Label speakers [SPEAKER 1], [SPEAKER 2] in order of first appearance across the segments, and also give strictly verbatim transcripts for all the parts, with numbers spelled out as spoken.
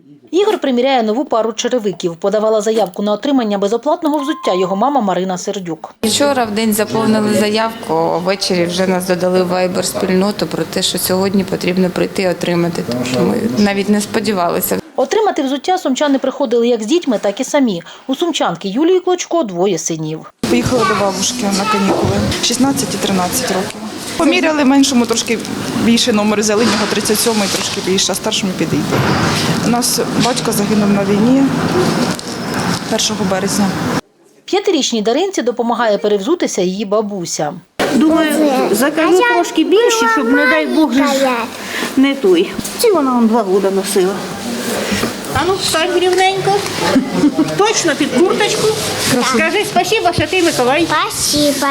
[SPEAKER 1] Ігор приміряє нову пару черевиків. Подавала заявку на отримання безоплатного взуття його мама Марина Сердюк.
[SPEAKER 2] Вчора в день заповнили заявку, а ввечері вже нас додали в вайбер-спільноту про те, що сьогодні потрібно прийти і отримати. Тому що ми навіть не сподівалися.
[SPEAKER 1] Отримати взуття сумчани приходили як з дітьми, так і самі. У сумчанки Юлії Клочко двоє синів.
[SPEAKER 3] Поїхала до бабушки на канікули, шістнадцять і тринадцять років. Поміряли меншому трошки більше номер, взяли в нього тридцять сьомий, трошки більше, а старшому підійде. У нас батько загинув на війні першого березня.
[SPEAKER 1] П'ятирічній Даринці допомагає перевзутися її бабуся.
[SPEAKER 4] Думаю, закажу трошки більше, щоб, не дай Бог, не той. Ці вона он два роки носила. А ну, встань рівненько. Точно під курточку. Скажи спасибо, Святий Миколай.
[SPEAKER 5] Спасибо,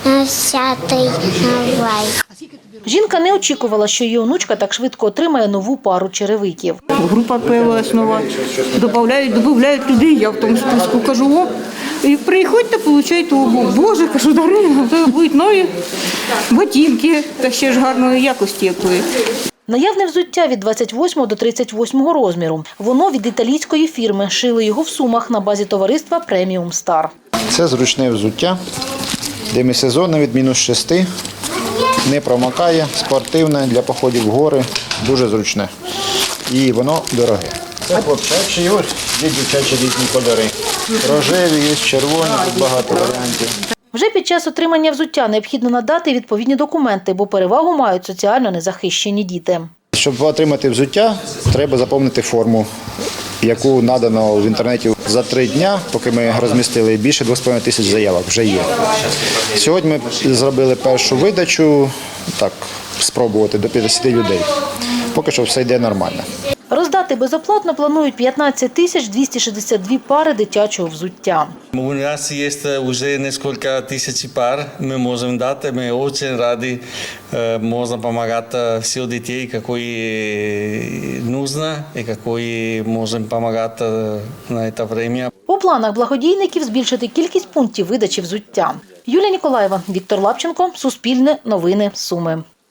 [SPEAKER 5] Святий Миколай.
[SPEAKER 1] Жінка не очікувала, що її онучка так швидко отримає нову пару черевиків.
[SPEAKER 4] Група появилась нова. Додають, додають людей, я в тому списку кажу, о, і приходьте, получайте обувь. Боже, кажу, Дарина, то будуть нові ботинки, та ще ж гарної якості якої.
[SPEAKER 1] Наявне взуття від двадцять восьмого до тридцять восьмого розміру. Воно від італійської фірми. Шили його в Сумах на базі товариства «Преміум Стар».
[SPEAKER 6] Це зручне взуття, демісезонне від мінус шести, не промокає, спортивне для походів в гори, дуже зручне. І воно дороге. Це хлопчачі, ось є дівчачі різні кольори. Рожеві, є червоні, тут багато варіантів.
[SPEAKER 1] Вже під час отримання взуття необхідно надати відповідні документи, бо перевагу мають соціально незахищені діти.
[SPEAKER 6] Щоб отримати взуття, треба заповнити форму, яку надано в інтернеті за три дні, поки ми розмістили більше двох з половиною тисяч заявок, вже є. Сьогодні ми зробили першу видачу, так, спробувати до п'ятдесяти людей. Поки що все йде нормально.
[SPEAKER 1] Роздати безоплатно планують п'ятнадцять тисяч двісті шістдесят дві пари дитячого взуття.
[SPEAKER 7] У нас є вже кілька тисяч пар, ми можемо дати, ми дуже раді, можна допомагати всім дітей, які потрібно і які можемо допомагати на це час.
[SPEAKER 1] У планах благодійників збільшити кількість пунктів видачі взуття. Юлія Ніколаєва, Віктор Лапченко, Суспільне, Новини, Суми.